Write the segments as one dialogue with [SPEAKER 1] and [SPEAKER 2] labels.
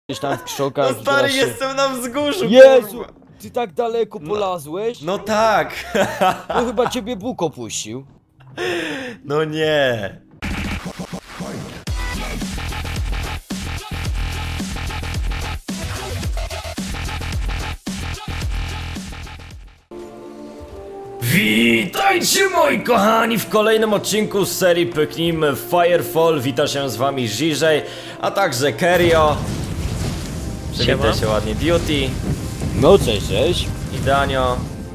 [SPEAKER 1] Gdzieś tam w krzokach.
[SPEAKER 2] No stary,
[SPEAKER 1] się...
[SPEAKER 2] jestem na wzgórzu,
[SPEAKER 1] Jezu!
[SPEAKER 2] kurwa.
[SPEAKER 1] Ty tak daleko polazłeś?
[SPEAKER 2] No tak.
[SPEAKER 1] No chyba ciebie Bóg opuścił.
[SPEAKER 2] No nie. Witajcie moi kochani w kolejnym odcinku z serii Pyknijmy w Firefall. Wita się z wami Żyżej, a także Kerio. Przywitaj się ładnie Beauty.
[SPEAKER 1] No cześć, cześć.
[SPEAKER 2] I Danio.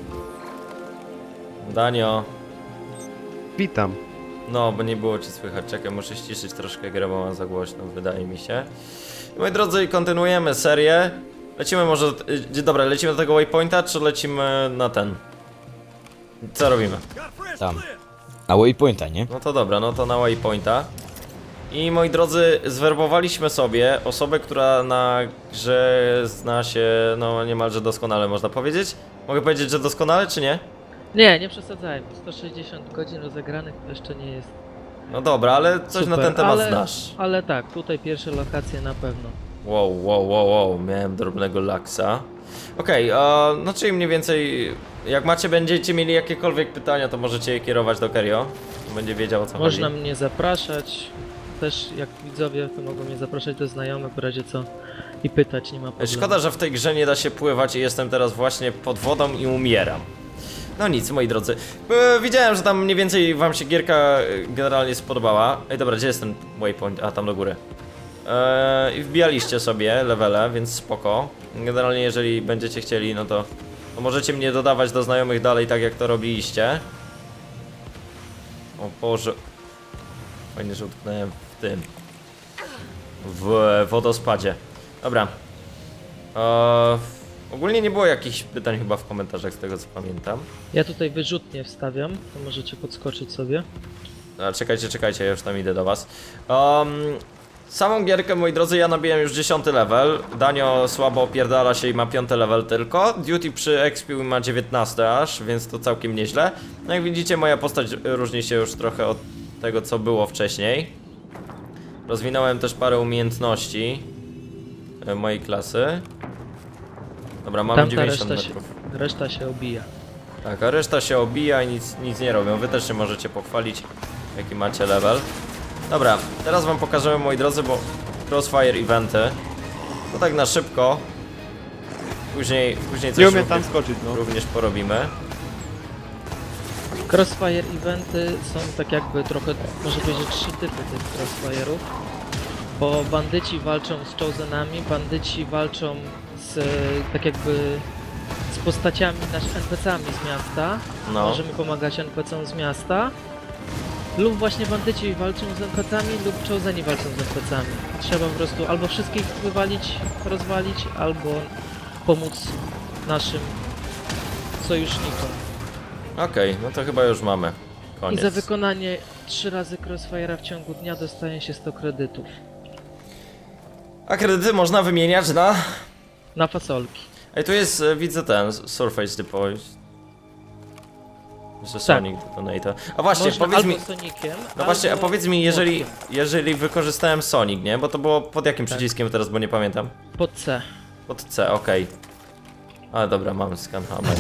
[SPEAKER 2] Danio.
[SPEAKER 3] Witam.
[SPEAKER 2] No, bo nie było ci słychać. Czekaj, muszę ściszyć troszkę grę, bo mam za głośno, wydaje mi się. Moi drodzy, kontynuujemy serię. Lecimy może... Dobra, lecimy do tego waypointa, czy lecimy na ten? Co robimy?
[SPEAKER 1] Tam. Na waypointa, nie?
[SPEAKER 2] No to dobra, no to na waypointa. I moi drodzy, zwerbowaliśmy sobie osobę, która na grze zna się, no niemalże doskonale, można powiedzieć. Mogę powiedzieć, że doskonale, czy nie?
[SPEAKER 4] Nie, nie przesadzajmy. 160 godzin rozegranych to jeszcze nie jest.
[SPEAKER 2] No dobra, ale coś
[SPEAKER 4] super,
[SPEAKER 2] na ten temat
[SPEAKER 4] ale,
[SPEAKER 2] znasz.
[SPEAKER 4] Ale tak, tutaj pierwsze lokacje na pewno.
[SPEAKER 2] Wow, miałem drobnego laksa. Okej, no czyli mniej więcej, jak będziecie mieli jakiekolwiek pytania, to możecie je kierować do Kerio. Będzie wiedział, o co chodzi.
[SPEAKER 4] Można mnie zapraszać. Też jak widzowie to mogą mnie zapraszać do znajomych w razie co i pytać, nie ma problemu.
[SPEAKER 2] Szkoda, że w tej grze nie da się pływać i jestem teraz właśnie pod wodą i umieram. No nic, moi drodzy. Widziałem, że tam mniej więcej wam się gierka generalnie spodobała. Ej, dobra, gdzie jest ten waypoint? A, tam do góry. I wbijaliście sobie levele, więc spoko. Generalnie jeżeli będziecie chcieli, no to możecie mnie dodawać do znajomych dalej, tak jak to robiliście. O Boże. Fajnie, że utknąłem w tym. W wodospadzie. Dobra. Ogólnie nie było jakichś pytań chyba w komentarzach, z tego co pamiętam.
[SPEAKER 4] Ja tutaj wyrzutnie wstawiam, to możecie podskoczyć sobie.
[SPEAKER 2] A, czekajcie, ja już tam idę do was. Samą gierkę, moi drodzy, ja nabiłem już 10 level. Danio słabo opierdala się i ma 5 level tylko. Duty przy expiu ma 19 aż, więc to całkiem nieźle. No jak widzicie, moja postać różni się już trochę od tego, co było wcześniej. Rozwinąłem też parę umiejętności mojej klasy. Dobra, mamy 90 metrów.
[SPEAKER 4] Reszta się obija.
[SPEAKER 2] Tak, a reszta się obija i nic nie robią. Wy też się możecie pochwalić, jaki macie level. Dobra, teraz wam pokażemy, moi drodzy, bo Crossfire eventy. To tak na szybko. Później coś
[SPEAKER 3] Nie umiem tam skoczyć, no.
[SPEAKER 2] również porobimy.
[SPEAKER 4] Crossfire eventy są tak jakby trochę, może powiedzieć, 3 typy tych crossfire'ów. Bo bandyci walczą z chosenami, bandyci walczą z tak jakby z postaciami, NPC-ami z miasta.
[SPEAKER 2] No.
[SPEAKER 4] Możemy pomagać NPC-om z miasta. Lub właśnie bandyci walczą z NPC-ami, lub choseni walczą z NPC-ami. Trzeba po prostu albo wszystkich wywalić, rozwalić, albo pomóc naszym sojusznikom.
[SPEAKER 2] Okej, no to chyba już mamy. Koniec.
[SPEAKER 4] I za wykonanie 3 razy Crossfire'a w ciągu dnia dostaje się 100 kredytów.
[SPEAKER 2] A kredyty można wymieniać na...
[SPEAKER 4] Na fasolki.
[SPEAKER 2] Ej, tu jest, widzę ten, Surface Deploy. Że Sonic Detonator. A właśnie,
[SPEAKER 4] Można
[SPEAKER 2] powiedz mi...
[SPEAKER 4] albo Soniciem,
[SPEAKER 2] No właśnie, a
[SPEAKER 4] albo
[SPEAKER 2] powiedz mi, jeżeli wykorzystałem Sonic, nie? Bo to było pod jakim
[SPEAKER 4] Tak.
[SPEAKER 2] przyciskiem teraz, bo nie pamiętam.
[SPEAKER 4] pod C.
[SPEAKER 2] Pod C, okej. Ale dobra, mam scanhammer.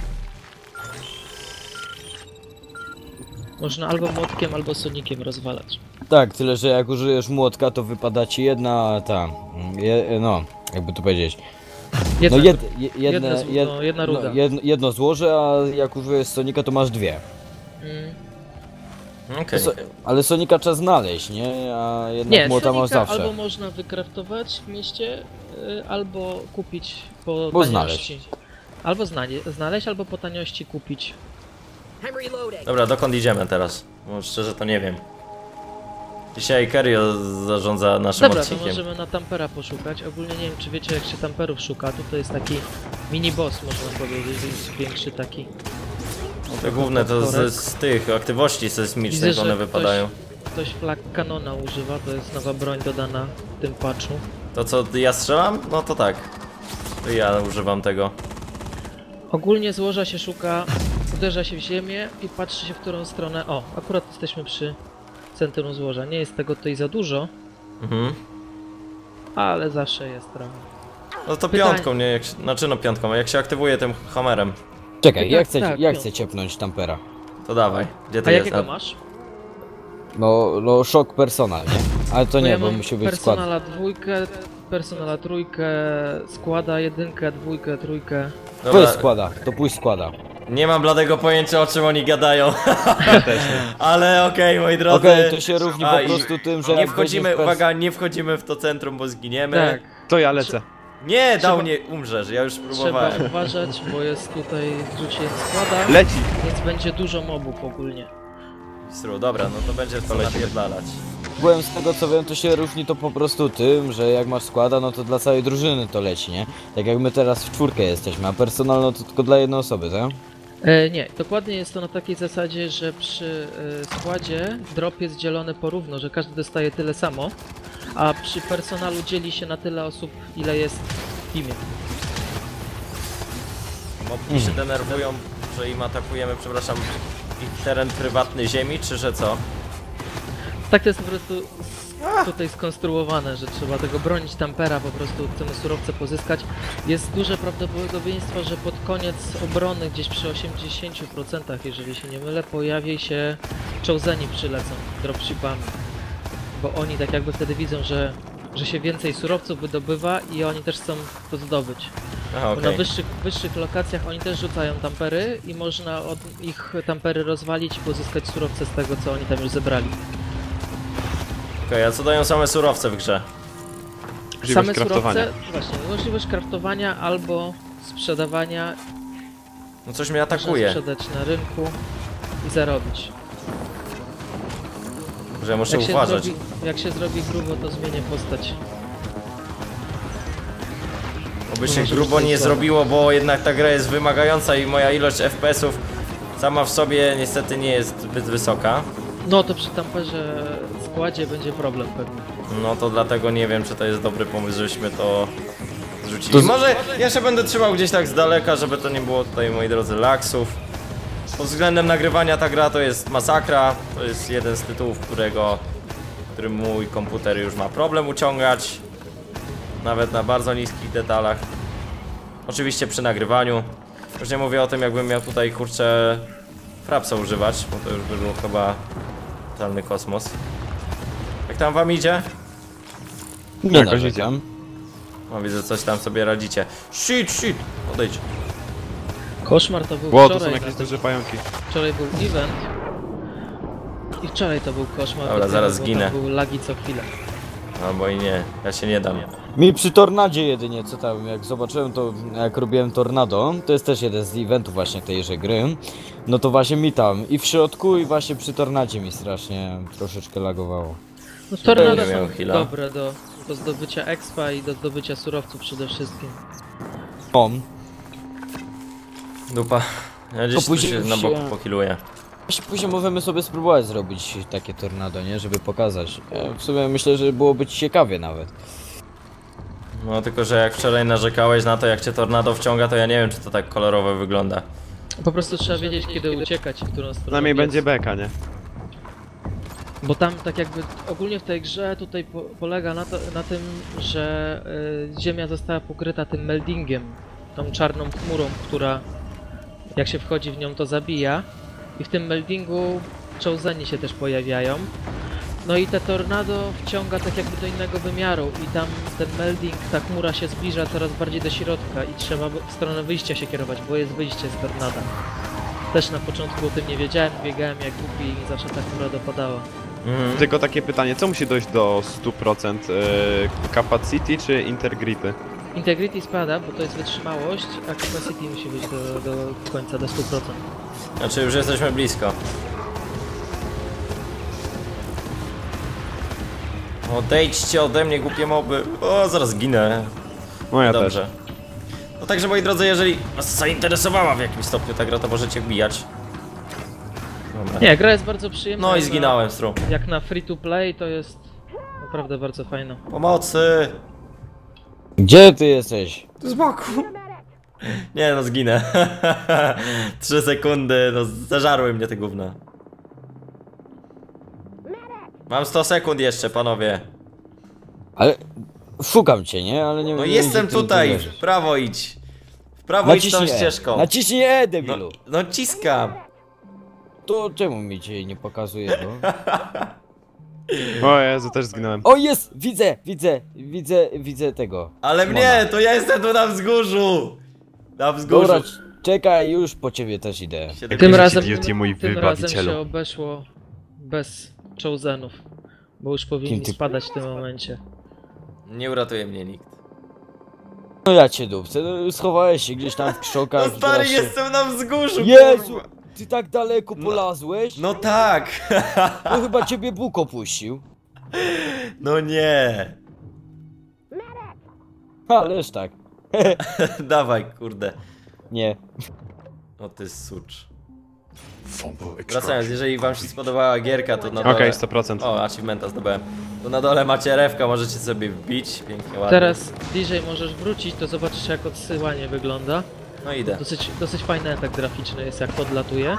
[SPEAKER 4] Można albo młotkiem, albo Soniciem rozwalać.
[SPEAKER 1] Tak, tyle że jak użyjesz młotka, to wypada ci jedna ta... no, jakby to powiedzieć.
[SPEAKER 4] Jedna,
[SPEAKER 1] No
[SPEAKER 4] jedna ruda.
[SPEAKER 1] jedno złoże, a jak użyjesz Sonika, to masz dwie.
[SPEAKER 2] Okej.
[SPEAKER 1] Ale Sonika trzeba znaleźć, nie? A jednak
[SPEAKER 4] Nie,
[SPEAKER 1] młota masz
[SPEAKER 4] Sonika
[SPEAKER 1] zawsze.
[SPEAKER 4] albo można wykraftować w mieście, albo kupić po
[SPEAKER 1] Bo
[SPEAKER 4] taniości. Albo znaleźć, albo po taniości kupić.
[SPEAKER 2] Dobra, dokąd idziemy teraz? Bo szczerze to nie wiem. Dzisiaj Kerio zarządza naszym
[SPEAKER 4] Dobra, to
[SPEAKER 2] odcinkiem.
[SPEAKER 4] możemy na Tampera poszukać. Ogólnie nie wiem, czy wiecie, jak się Tamperów szuka. To jest taki mini boss, można powiedzieć, jest większy taki.
[SPEAKER 2] Te główne to z tych aktywności sejsmicznych
[SPEAKER 4] Widzę,
[SPEAKER 2] one
[SPEAKER 4] że
[SPEAKER 2] wypadają.
[SPEAKER 4] Ktoś flag kanona używa, to jest nowa broń dodana w tym patchu.
[SPEAKER 2] To co, ja strzelam? No to tak. To ja używam tego.
[SPEAKER 4] Ogólnie złoża się szuka, uderza się w ziemię i patrzy się, w którą stronę. O, akurat jesteśmy przy centrum złoża. Nie jest tego tutaj za dużo.
[SPEAKER 2] Mhm.
[SPEAKER 4] ale zawsze jest trochę.
[SPEAKER 2] No to
[SPEAKER 4] Pytanie.
[SPEAKER 2] piątką, nie? Jak się, znaczy no piątką, a jak się aktywuje tym hammerem,
[SPEAKER 1] Czekaj, ja chcę,
[SPEAKER 4] tak,
[SPEAKER 1] ja
[SPEAKER 4] piąt.
[SPEAKER 1] chcę ciepnąć tampera.
[SPEAKER 2] to dawaj. Gdzie ty
[SPEAKER 4] A
[SPEAKER 2] jest?
[SPEAKER 4] jakiego masz?
[SPEAKER 1] No szok personal, nie? Ale to
[SPEAKER 4] No
[SPEAKER 1] nie,
[SPEAKER 4] ja
[SPEAKER 1] bo
[SPEAKER 4] mam
[SPEAKER 1] musi być skład.
[SPEAKER 4] personala 2, personala 3, składa 1, 2, 3.
[SPEAKER 1] Pójdź składa, to pójść składa.
[SPEAKER 2] Nie mam bladego pojęcia, o czym oni gadają.
[SPEAKER 3] Ja też nie.
[SPEAKER 2] Ale okej, moi drodzy.
[SPEAKER 1] Okej, to się równi
[SPEAKER 2] A,
[SPEAKER 1] po
[SPEAKER 2] i
[SPEAKER 1] prostu tym, że
[SPEAKER 2] Nie
[SPEAKER 1] jak
[SPEAKER 2] wchodzimy,
[SPEAKER 1] weźmiesz
[SPEAKER 2] uwaga, nie wchodzimy w to centrum, bo zginiemy.
[SPEAKER 4] Tak,
[SPEAKER 3] To ja lecę.
[SPEAKER 2] Nie,
[SPEAKER 4] Trzeba-
[SPEAKER 2] dał nie umrzesz, ja już
[SPEAKER 4] trzeba
[SPEAKER 2] próbowałem.
[SPEAKER 4] uważać, bo jest tutaj rzuciłem składa,
[SPEAKER 3] Leci!
[SPEAKER 4] więc będzie dużo mobów ogólnie.
[SPEAKER 2] Stru, dobra, no to będzie to napierdalać.
[SPEAKER 1] Byłem z tego co wiem, to się różni to po prostu tym, że jak masz składa, no to dla całej drużyny to leci, nie? Tak jak my teraz w czwórkę jesteśmy, a personal no to tylko dla jednej osoby, tak?
[SPEAKER 4] Nie, dokładnie jest to na takiej zasadzie, że przy składzie drop jest dzielony porówno, że każdy dostaje tyle samo, a przy personalu dzieli się na tyle osób, ile jest w teamie.
[SPEAKER 2] Mobki się denerwują, że im atakujemy, przepraszam, ich teren prywatny ziemi, czy że co?
[SPEAKER 4] Tak to jest po prostu tutaj skonstruowane, że trzeba tego bronić tampera, po prostu chcemy surowce pozyskać. Jest duże prawdopodobieństwo, że pod koniec obrony, gdzieś przy 80%, jeżeli się nie mylę, pojawi się Choseni przylecą dropshipami. Bo oni tak jakby wtedy widzą, że się więcej surowców wydobywa i oni też chcą to zdobyć.
[SPEAKER 2] Aha,
[SPEAKER 4] Bo na
[SPEAKER 2] okej.
[SPEAKER 4] wyższych lokacjach oni też rzucają tampery i można od ich tampery rozwalić i pozyskać surowce z tego, co oni tam już zebrali.
[SPEAKER 2] Okej, a co dają same surowce w grze?
[SPEAKER 3] Możliwość
[SPEAKER 4] Same
[SPEAKER 3] craftowania.
[SPEAKER 4] surowce, właśnie, możliwość craftowania albo sprzedawania,
[SPEAKER 2] No coś mnie
[SPEAKER 4] można
[SPEAKER 2] atakuje,
[SPEAKER 4] sprzedać na rynku i zarobić.
[SPEAKER 2] że muszę uważać.
[SPEAKER 4] Jak się zrobi grubo, to zmienię postać.
[SPEAKER 2] Oby się
[SPEAKER 4] Może
[SPEAKER 2] grubo
[SPEAKER 4] być
[SPEAKER 2] nie
[SPEAKER 4] słabo.
[SPEAKER 2] zrobiło, bo jednak ta gra jest wymagająca i moja ilość FPS-ów sama w sobie niestety nie jest zbyt wysoka.
[SPEAKER 4] No to przy tamperze składzie będzie problem pewnie.
[SPEAKER 2] No to dlatego nie wiem, czy to jest dobry pomysł, żebyśmy to zrzucili.
[SPEAKER 1] To z-
[SPEAKER 2] Może ja się będę trzymał gdzieś tak z daleka, żeby to nie było tutaj, moi drodzy, laksów. Pod względem nagrywania ta gra to jest masakra. To jest jeden z tytułów, którym mój komputer już ma problem uciągać. Nawet na bardzo niskich detalach. Oczywiście przy nagrywaniu. Już nie mówię o tym, jakbym miał tutaj, kurczę, frapsa używać, bo to już by był chyba totalny kosmos. Jak tam wam idzie?
[SPEAKER 1] Nie
[SPEAKER 3] Jakoś
[SPEAKER 1] narzekam.
[SPEAKER 2] No widzę, coś tam sobie radzicie. Shit! Odejdź.
[SPEAKER 4] Koszmar to był
[SPEAKER 3] Ło, to są
[SPEAKER 4] wczoraj,
[SPEAKER 3] jakieś duże pająki.
[SPEAKER 4] wczoraj był event. I wczoraj to był koszmar.
[SPEAKER 2] Dobra,
[SPEAKER 4] bo
[SPEAKER 2] zaraz
[SPEAKER 4] tam
[SPEAKER 2] zginę.
[SPEAKER 4] Był lagi co chwilę.
[SPEAKER 2] Albo i nie, ja się nie dam.
[SPEAKER 1] Mi przy tornadzie jedynie, co tam, jak zobaczyłem to, jak robiłem tornado, to jest też jeden z eventów właśnie tejże gry, no to właśnie mi tam i w środku i właśnie przy tornadzie mi strasznie troszeczkę lagowało.
[SPEAKER 4] No tornado
[SPEAKER 2] Będę miał
[SPEAKER 4] są
[SPEAKER 2] heala.
[SPEAKER 4] dobre do zdobycia expa i do zdobycia surowców przede wszystkim.
[SPEAKER 1] O,
[SPEAKER 2] Dupa. Ja gdzieś tu
[SPEAKER 1] później
[SPEAKER 2] się
[SPEAKER 1] już
[SPEAKER 2] na boku
[SPEAKER 1] się-
[SPEAKER 2] pokiluję.
[SPEAKER 1] właśnie później możemy sobie spróbować zrobić takie tornado, nie, żeby pokazać. Ja w sumie myślę, że byłoby ciekawie nawet.
[SPEAKER 2] No tylko, że jak wczoraj narzekałeś na to, jak cię tornado wciąga, to ja nie wiem, czy to tak kolorowo wygląda.
[SPEAKER 4] Po prostu trzeba wiedzieć, kiedy uciekać i w którą stronę
[SPEAKER 3] Przynajmniej
[SPEAKER 4] biec.
[SPEAKER 3] będzie beka, nie?
[SPEAKER 4] Bo tam tak jakby ogólnie w tej grze tutaj polega na tym, że ziemia została pokryta tym meldingiem, tą czarną chmurą, która jak się wchodzi w nią to zabija i w tym meldingu Choseni się też pojawiają. No i te tornado wciąga tak jakby do innego wymiaru i tam ten melding, ta chmura się zbliża coraz bardziej do środka i trzeba w stronę wyjścia się kierować, bo jest wyjście z tornada. Też na początku o tym nie wiedziałem, biegałem jak głupi i zawsze ta chmura dopadała.
[SPEAKER 2] Mhm.
[SPEAKER 3] Tylko takie pytanie, co musi dojść do 100%? Capacity czy integrity?
[SPEAKER 4] Integrity spada, bo to jest wytrzymałość, a capacity musi być do końca, do 100%.
[SPEAKER 2] Znaczy już jesteśmy blisko. Odejdźcie ode mnie, głupie moby. O, zaraz ginę.
[SPEAKER 3] No ja
[SPEAKER 2] Dobrze.
[SPEAKER 3] też.
[SPEAKER 2] No także, moi drodzy, jeżeli was zainteresowała w jakimś stopniu ta gra, to możecie wbijać. Dobra.
[SPEAKER 4] Nie, gra jest bardzo przyjemna.
[SPEAKER 2] No i
[SPEAKER 4] jak
[SPEAKER 2] zginąłem, stru.
[SPEAKER 4] Jak na free to play to jest naprawdę bardzo fajna.
[SPEAKER 2] Pomocy!
[SPEAKER 1] Gdzie ty jesteś?
[SPEAKER 2] Tu z boku. Nie no, zginę. 3 sekundy, no zażarły mnie te gówna. Mam 100 sekund jeszcze, panowie.
[SPEAKER 1] Ale Szukam cię, nie? Ale nie
[SPEAKER 2] No
[SPEAKER 1] nie
[SPEAKER 2] jestem
[SPEAKER 1] wiem, gdzie ty
[SPEAKER 2] tutaj,
[SPEAKER 1] leżysz.
[SPEAKER 2] w prawo idź. W prawo idź tą
[SPEAKER 1] Naciśnij E.
[SPEAKER 2] ścieżką.
[SPEAKER 1] Naciśnij E,
[SPEAKER 2] No,
[SPEAKER 1] debilu.
[SPEAKER 2] no ciskam.
[SPEAKER 1] To czemu mi cię nie pokazuje to?
[SPEAKER 3] O Jezu, też zginąłem.
[SPEAKER 1] O, jest! Widzę tego.
[SPEAKER 2] Ale
[SPEAKER 1] Szymona.
[SPEAKER 2] mnie, to ja jestem tu na wzgórzu. Na wzgórzu.
[SPEAKER 1] Dobra, czekaj, już po ciebie też idę.
[SPEAKER 4] Tym razem,
[SPEAKER 3] Duty, mój
[SPEAKER 4] tym razem
[SPEAKER 3] wybawicielu.
[SPEAKER 4] się obeszło bez chosenów, bo już powinni
[SPEAKER 1] Kim ty-
[SPEAKER 4] spadać w tym momencie.
[SPEAKER 2] Nie uratuje mnie nikt.
[SPEAKER 1] No ja cię dupcę, no, schowałeś się gdzieś tam w krzokach.
[SPEAKER 2] No stary,
[SPEAKER 1] teraz się-
[SPEAKER 2] jestem na wzgórzu,
[SPEAKER 1] Jezu!
[SPEAKER 2] kurwa.
[SPEAKER 1] Ty tak daleko polazłeś?
[SPEAKER 2] No tak.
[SPEAKER 1] To chyba ciebie Bóg opuścił.
[SPEAKER 2] No nie.
[SPEAKER 1] Ależ tak.
[SPEAKER 2] Dawaj, kurde.
[SPEAKER 1] Nie.
[SPEAKER 2] O ty sucz. Wracając, jeżeli wam się spodobała gierka, to na dole...
[SPEAKER 3] Okej, 100%.
[SPEAKER 2] O, achievementa zdobyłem. To na dole macie refka, możecie sobie wbić. Pięknie, ładnie.
[SPEAKER 4] Teraz bliżej możesz wrócić, to zobaczysz jak odsyłanie wygląda.
[SPEAKER 2] No idę.
[SPEAKER 4] Dosyć fajny efekt graficzny jest jak podlatuje.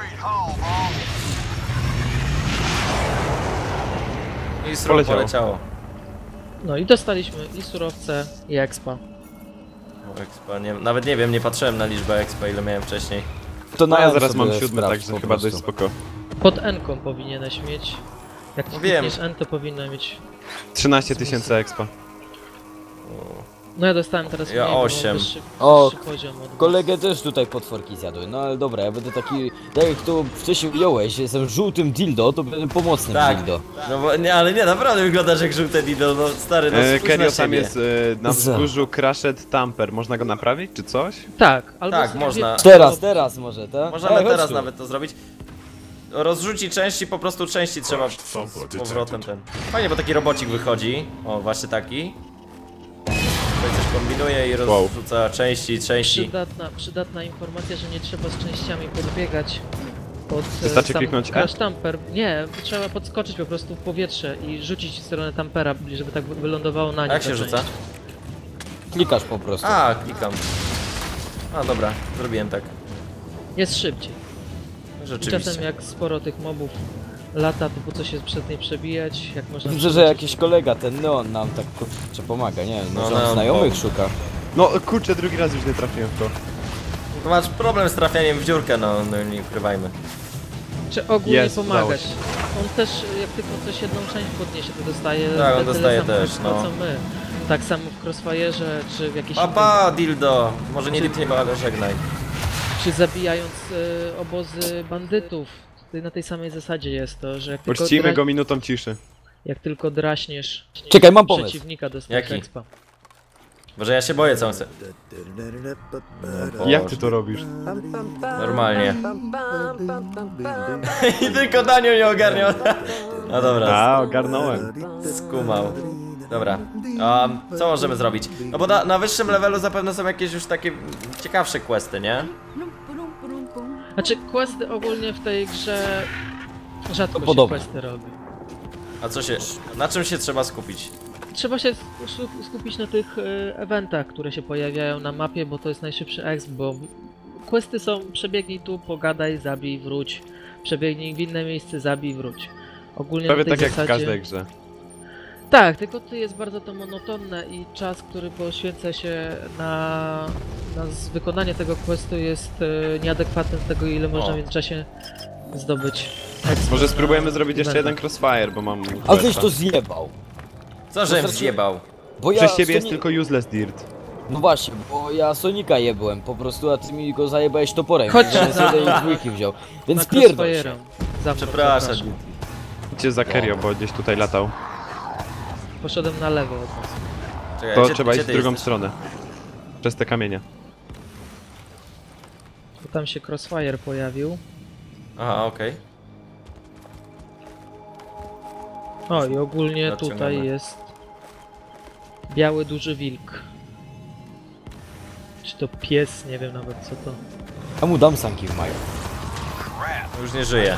[SPEAKER 2] I srok
[SPEAKER 3] Poleciało.
[SPEAKER 2] poleciało.
[SPEAKER 4] No i dostaliśmy i surowce, i expa.
[SPEAKER 2] O, expa, nie, nawet nie wiem, nie patrzyłem na liczbę expa, ile miałem wcześniej.
[SPEAKER 1] To
[SPEAKER 3] No ja
[SPEAKER 1] M
[SPEAKER 3] zaraz
[SPEAKER 1] sobie
[SPEAKER 3] mam 7,
[SPEAKER 1] sprawdź
[SPEAKER 3] także
[SPEAKER 1] po
[SPEAKER 3] chyba
[SPEAKER 1] prostu.
[SPEAKER 3] dość spoko.
[SPEAKER 4] Pod N-ką powinieneś mieć. Jak
[SPEAKER 2] No wiem.
[SPEAKER 4] klikniesz N, to powinno mieć...
[SPEAKER 3] 13 000 expa.
[SPEAKER 4] No ja dostałem teraz
[SPEAKER 2] Ja
[SPEAKER 4] mniej, bo mam
[SPEAKER 2] 8.
[SPEAKER 4] wyższy poziom od was.
[SPEAKER 1] Kolegę też tutaj potworki zjadły, no ale dobra, ja będę taki, tak jak to wcześniej ująłeś, jestem żółtym dildo, to będę pomocnym
[SPEAKER 2] Tak.
[SPEAKER 1] dildo.
[SPEAKER 2] No bo, nie, ale nie, naprawdę wyglądasz jak żółte dido, no stary, no spójrz
[SPEAKER 3] Kerio,
[SPEAKER 2] na
[SPEAKER 3] tam
[SPEAKER 2] siebie.
[SPEAKER 3] jest na
[SPEAKER 1] Co?
[SPEAKER 3] wzgórzu Crashed Tamper. Można go naprawić, czy coś?
[SPEAKER 4] Tak, albo
[SPEAKER 2] Tak,
[SPEAKER 4] sobie-
[SPEAKER 2] można.
[SPEAKER 1] Teraz może, tak?
[SPEAKER 2] Możemy
[SPEAKER 1] chodź
[SPEAKER 2] teraz
[SPEAKER 1] tu.
[SPEAKER 2] nawet to zrobić. Rozrzuci części, po prostu części trzeba z powrotem ten. Fajnie, bo taki robocik wychodzi. O, właśnie taki. Tutaj coś kombinuje i rozrzuca części.
[SPEAKER 4] Przydatna informacja, że nie trzeba z częściami podbiegać pod
[SPEAKER 3] Wystarczy kliknąć E?
[SPEAKER 4] crash tamper. Nie, trzeba podskoczyć po prostu w powietrze i rzucić w stronę tampera, żeby tak wylądowało na nim.
[SPEAKER 2] Jak
[SPEAKER 4] ta
[SPEAKER 2] się
[SPEAKER 4] część.
[SPEAKER 2] rzuca?
[SPEAKER 1] Klikasz po prostu.
[SPEAKER 2] A, klikam. A, dobra, zrobiłem tak.
[SPEAKER 4] Jest szybciej. I
[SPEAKER 2] Rzeczywiście.
[SPEAKER 4] czasem jak sporo tych mobów lata, to po co się przed niej przebijać, jak można...
[SPEAKER 1] Widzę, że jakiś kolega, ten Neon nam tak kurczę pomaga, nie wiem,
[SPEAKER 2] No,
[SPEAKER 1] może on
[SPEAKER 2] Neon,
[SPEAKER 1] znajomych
[SPEAKER 2] bo-
[SPEAKER 1] szuka.
[SPEAKER 3] No kurczę, drugi raz już nie trafiłem w to.
[SPEAKER 2] To masz problem z trafianiem w dziurkę, no nie ukrywajmy.
[SPEAKER 4] Czy ogólnie
[SPEAKER 3] Jest, udało
[SPEAKER 4] pomagać.
[SPEAKER 3] się.
[SPEAKER 4] On też, jak tylko coś jedną część podniesie, to dostaje
[SPEAKER 2] Tak, on
[SPEAKER 4] tyle
[SPEAKER 2] dostaje
[SPEAKER 4] samo
[SPEAKER 2] też,
[SPEAKER 4] expa,
[SPEAKER 2] no.
[SPEAKER 4] co my. Tak samo w Crossfire'ze, czy w jakiejś
[SPEAKER 2] Papa, dildo! Może nie dildo, ale żegnaj.
[SPEAKER 4] czy zabijając obozy bandytów. Tutaj na tej samej zasadzie jest to, że jak tylko,
[SPEAKER 3] Uczcimy go minutą ciszy.
[SPEAKER 4] jak tylko draśniesz
[SPEAKER 1] Czekaj, mam pomysł.
[SPEAKER 4] przeciwnika, dostajesz
[SPEAKER 2] Jaki?
[SPEAKER 4] expa.
[SPEAKER 2] Może ja się boję, co on chce. O
[SPEAKER 3] Jak
[SPEAKER 2] Boże.
[SPEAKER 3] ty to robisz?
[SPEAKER 2] Normalnie. I tylko Daniel nie ogarniał. No dobra,
[SPEAKER 3] A, ogarnąłem.
[SPEAKER 2] skumał. Dobra, co możemy zrobić? No bo na wyższym levelu zapewne są jakieś już takie ciekawsze questy, nie?
[SPEAKER 4] Znaczy questy ogólnie w tej grze rzadko się
[SPEAKER 1] podobne.
[SPEAKER 4] questy robi.
[SPEAKER 2] A co się, na czym się trzeba skupić?
[SPEAKER 4] Trzeba się skupić na tych eventach, które się pojawiają na mapie, bo to jest najszybszy exp, bo questy są przebiegnij tu, pogadaj, zabij, wróć. Przebiegnij w inne miejsce, zabij, wróć. Ogólnie
[SPEAKER 3] Prawie
[SPEAKER 4] na tej
[SPEAKER 3] tak jak
[SPEAKER 4] zasadzie...
[SPEAKER 3] w każdej grze.
[SPEAKER 4] Tak, tylko tu jest bardzo to monotonne i czas, który poświęca się na wykonanie tego questu jest nieadekwatny do tego, ile można w międzyczasie zdobyć. expa
[SPEAKER 3] Może
[SPEAKER 4] na
[SPEAKER 3] spróbujemy zrobić jeszcze
[SPEAKER 4] eventach.
[SPEAKER 3] jeden crossfire, bo mam...
[SPEAKER 1] A
[SPEAKER 3] questa.
[SPEAKER 1] weź to zjebał.
[SPEAKER 2] Co, żem
[SPEAKER 1] znaczy-
[SPEAKER 2] zjebał?
[SPEAKER 1] Bo ja
[SPEAKER 3] Przez ciebie jest
[SPEAKER 1] Soni-
[SPEAKER 3] tylko useless dirt.
[SPEAKER 1] No właśnie, bo ja Sonika jebłem po prostu, a ty mi go zajebałeś toporem.
[SPEAKER 4] Chodźcie
[SPEAKER 1] więc
[SPEAKER 4] za-
[SPEAKER 1] z jednej dwójki wziął. Więc
[SPEAKER 4] Na
[SPEAKER 1] pierdol się.
[SPEAKER 4] Crossfire'a. Za mną,
[SPEAKER 2] Przepraszam.
[SPEAKER 4] zapraszam.
[SPEAKER 3] Idźcie za Kerio, bo gdzieś tutaj latał.
[SPEAKER 4] Poszedłem na lewo od was.
[SPEAKER 2] Czekaj,
[SPEAKER 3] To
[SPEAKER 2] gdzie-
[SPEAKER 3] trzeba
[SPEAKER 2] gdzie
[SPEAKER 3] iść w
[SPEAKER 2] ty
[SPEAKER 3] drugą
[SPEAKER 2] jesteś?
[SPEAKER 3] stronę. Przez te kamienie.
[SPEAKER 4] Bo tam się Crossfire pojawił.
[SPEAKER 2] Aha, okej.
[SPEAKER 4] O i ogólnie
[SPEAKER 2] Zaczynamy.
[SPEAKER 4] tutaj jest biały duży wilk. Czy to pies? Nie wiem nawet co to.
[SPEAKER 1] A mu dam sanki w maju.
[SPEAKER 2] Już nie żyje.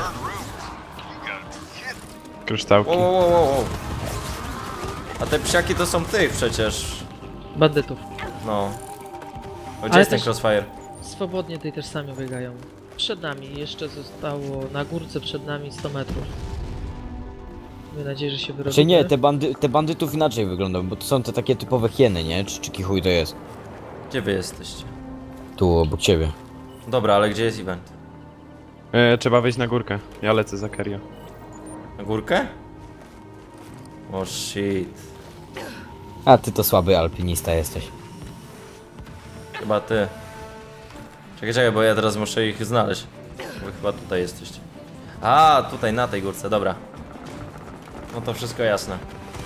[SPEAKER 3] Kryształki.
[SPEAKER 2] Wow. A te psiaki to są tych przecież.
[SPEAKER 4] Bandytów.
[SPEAKER 2] No. O, gdzie
[SPEAKER 4] Ale
[SPEAKER 2] jest ten
[SPEAKER 4] też-
[SPEAKER 2] crossfire?
[SPEAKER 4] Swobodnie tutaj też sami biegają. Przed nami jeszcze zostało na górce przed nami 100 metrów. Miejmy nadzieję, że się wyrobimy.
[SPEAKER 1] Czy nie, te bandytów inaczej wyglądają, bo to są te takie typowe hieny, nie? Czy kichuj to jest?
[SPEAKER 2] Gdzie wy jesteście?
[SPEAKER 1] Tu, obok ciebie.
[SPEAKER 2] Dobra, ale gdzie jest event?
[SPEAKER 3] Trzeba wejść na górkę. Ja lecę za Kerio.
[SPEAKER 2] Na górkę? O shit.
[SPEAKER 1] A ty to słaby alpinista jesteś.
[SPEAKER 2] Chyba ty. Czekaj, bo ja teraz muszę ich znaleźć. Wy chyba tutaj jesteście. A, tutaj na tej górce, dobra. No to wszystko jasne.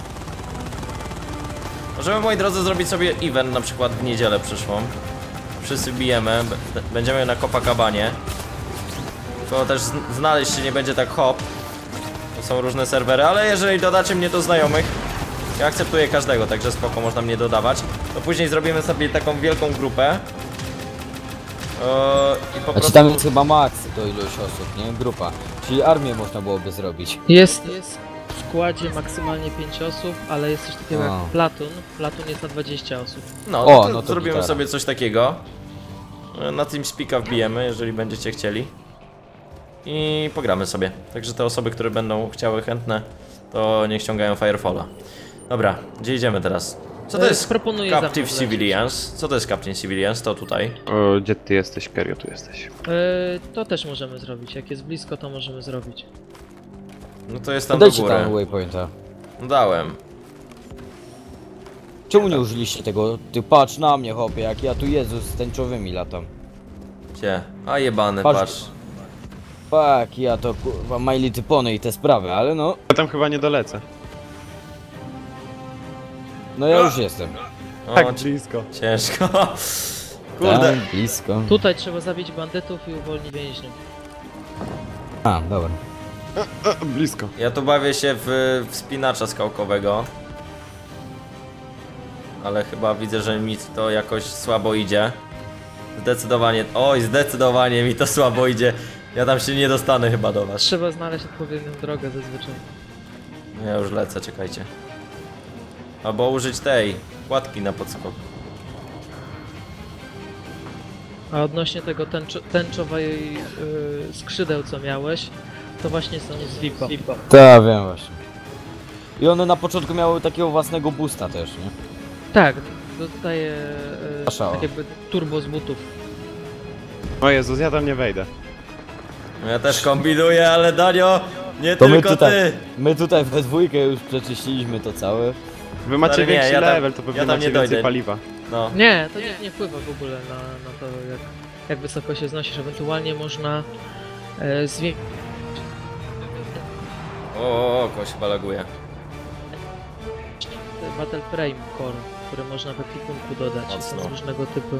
[SPEAKER 2] Możemy, moi drodzy, zrobić sobie event na przykład w niedzielę przyszłą. Wszyscy bijemy, będziemy na Copacabanie. To też znaleźć się nie będzie tak hop. To są różne serwery, ale jeżeli dodacie mnie do znajomych, ja akceptuję każdego, także spoko, można mnie dodawać. To później zrobimy sobie taką wielką grupę. I po
[SPEAKER 1] A ci
[SPEAKER 2] prostu...
[SPEAKER 1] tam jest chyba maks to ilość osób, nie? Grupa. Czyli armię można byłoby zrobić.
[SPEAKER 4] Jest w składzie maksymalnie 5 osób, ale jest coś takiego
[SPEAKER 1] A.
[SPEAKER 4] jak Platun. Platun jest na 20 osób.
[SPEAKER 2] No,
[SPEAKER 1] O,
[SPEAKER 2] to
[SPEAKER 1] no to
[SPEAKER 2] zrobimy
[SPEAKER 1] gitara.
[SPEAKER 2] sobie coś takiego. Na TeamSpeaka wbijemy, jeżeli będziecie chcieli. I pogramy sobie. Także te osoby, które będą chciały chętne, to niech ściągają Firefalla. Dobra, gdzie idziemy teraz? Co to jest
[SPEAKER 4] Proponuję
[SPEAKER 2] Captive
[SPEAKER 4] za mną
[SPEAKER 2] Civilians? Co to jest Captive Civilians? To tutaj.
[SPEAKER 3] Gdzie ty jesteś, Kerio? Tu jesteś.
[SPEAKER 4] To też możemy zrobić. Jak jest blisko, to możemy zrobić.
[SPEAKER 2] No to jest tam do
[SPEAKER 1] Dajcie
[SPEAKER 2] góry.
[SPEAKER 1] tam waypointa.
[SPEAKER 2] Dałem.
[SPEAKER 1] Czemu nie użyliście tego? Ty patrz na mnie, chłopie, jak ja tu Jezus z tęczowymi latam.
[SPEAKER 2] Gdzie? A jebany,
[SPEAKER 1] Patrz.
[SPEAKER 2] patrz.
[SPEAKER 1] Tak, ja to kurwa My Little Pony i te sprawy, ale no,
[SPEAKER 3] Ja tam chyba nie dolecę.
[SPEAKER 1] no ja już jestem.
[SPEAKER 2] O,
[SPEAKER 3] Tak blisko.
[SPEAKER 2] ciężko. Kurde.
[SPEAKER 1] Tam, blisko.
[SPEAKER 4] Tutaj trzeba zabić bandytów i uwolnić więźniów.
[SPEAKER 1] A, dobra.
[SPEAKER 3] Blisko.
[SPEAKER 2] Ja tu bawię się w wspinacza skałkowego. Ale chyba widzę, że mi to jakoś słabo idzie. Zdecydowanie, oj, zdecydowanie mi to słabo idzie. Ja tam się nie dostanę chyba do was.
[SPEAKER 4] Trzeba znaleźć odpowiednią drogę zazwyczaj.
[SPEAKER 2] No ja już lecę, czekajcie. Albo użyć tej kładki na podskok.
[SPEAKER 4] A odnośnie tego tęczowej skrzydeł, co miałeś, to właśnie są z VIP-a.
[SPEAKER 1] Tak, wiem właśnie. I one na początku miały takiego własnego boosta też, nie?
[SPEAKER 4] Tak, dostaje
[SPEAKER 1] Szała.
[SPEAKER 4] tak jakby turbo z butów.
[SPEAKER 3] O Jezus, ja tam nie wejdę.
[SPEAKER 2] No ja też kombinuję, ale Danio, nie
[SPEAKER 1] To
[SPEAKER 2] tylko ty.
[SPEAKER 1] my tutaj we dwójkę już przeczyściliśmy to całe.
[SPEAKER 3] Wy macie
[SPEAKER 2] Stary, nie,
[SPEAKER 3] większy
[SPEAKER 2] ja tam-
[SPEAKER 3] level, to pewnie
[SPEAKER 2] ja tam
[SPEAKER 3] macie
[SPEAKER 2] nie dojdę.
[SPEAKER 3] więcej paliwa.
[SPEAKER 2] No.
[SPEAKER 4] Nie, to nie wpływa w ogóle na to, jak wysoko się znosisz. Ewentualnie można zwiększyć
[SPEAKER 2] O, kogoś chyba laguje.
[SPEAKER 4] Battle Frame Core, który można w ekwipunku dodać.
[SPEAKER 2] Mocno.
[SPEAKER 4] Są różnego typu.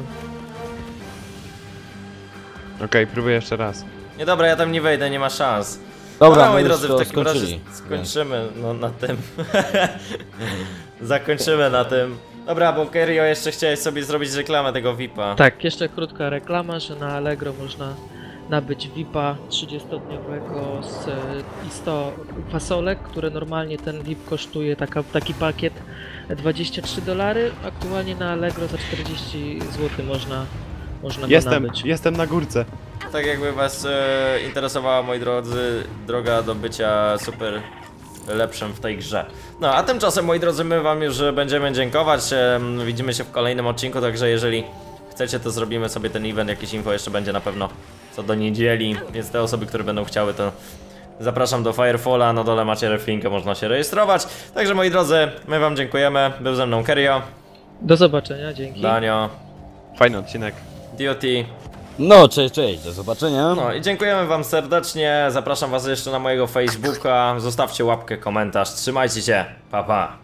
[SPEAKER 3] Okej, próbuję jeszcze raz.
[SPEAKER 2] Nie dobra, ja tam nie wejdę, nie ma szans.
[SPEAKER 1] Dobra,
[SPEAKER 2] moi
[SPEAKER 1] my
[SPEAKER 2] drodzy,
[SPEAKER 1] już
[SPEAKER 2] w
[SPEAKER 1] to
[SPEAKER 2] takim razie
[SPEAKER 1] skończyli.
[SPEAKER 2] skończymy no, na tym. Zakończymy na tym. Dobra, bo Kerio jeszcze chciałeś sobie zrobić reklamę tego VIP-a.
[SPEAKER 4] Tak, jeszcze krótka reklama, że na Allegro można nabyć VIP-a 30-dniowego i 100 fasolek, które normalnie ten VIP kosztuje taki pakiet $23. Aktualnie na Allegro za 40 zł można go nabyć.
[SPEAKER 3] Jestem na górce.
[SPEAKER 2] Tak jakby was interesowała, moi drodzy, droga do bycia super lepszym w tej grze. No, a tymczasem, moi drodzy, my wam już będziemy dziękować. Widzimy się w kolejnym odcinku, także jeżeli chcecie, to zrobimy sobie ten event. Jakieś info jeszcze będzie na pewno co do niedzieli, więc te osoby, które będą chciały, to zapraszam do Firefalla. Na dole macie reflinkę, można się rejestrować. Także, moi drodzy, my wam dziękujemy. Był ze mną Kerio,
[SPEAKER 4] Do zobaczenia, dzięki.
[SPEAKER 2] Danio,
[SPEAKER 3] Fajny odcinek.
[SPEAKER 2] DOT.
[SPEAKER 1] No, cześć, cześć, do zobaczenia.
[SPEAKER 2] No i dziękujemy wam serdecznie. Zapraszam was jeszcze na mojego Facebooka. Zostawcie łapkę, komentarz. Trzymajcie się. Pa, pa.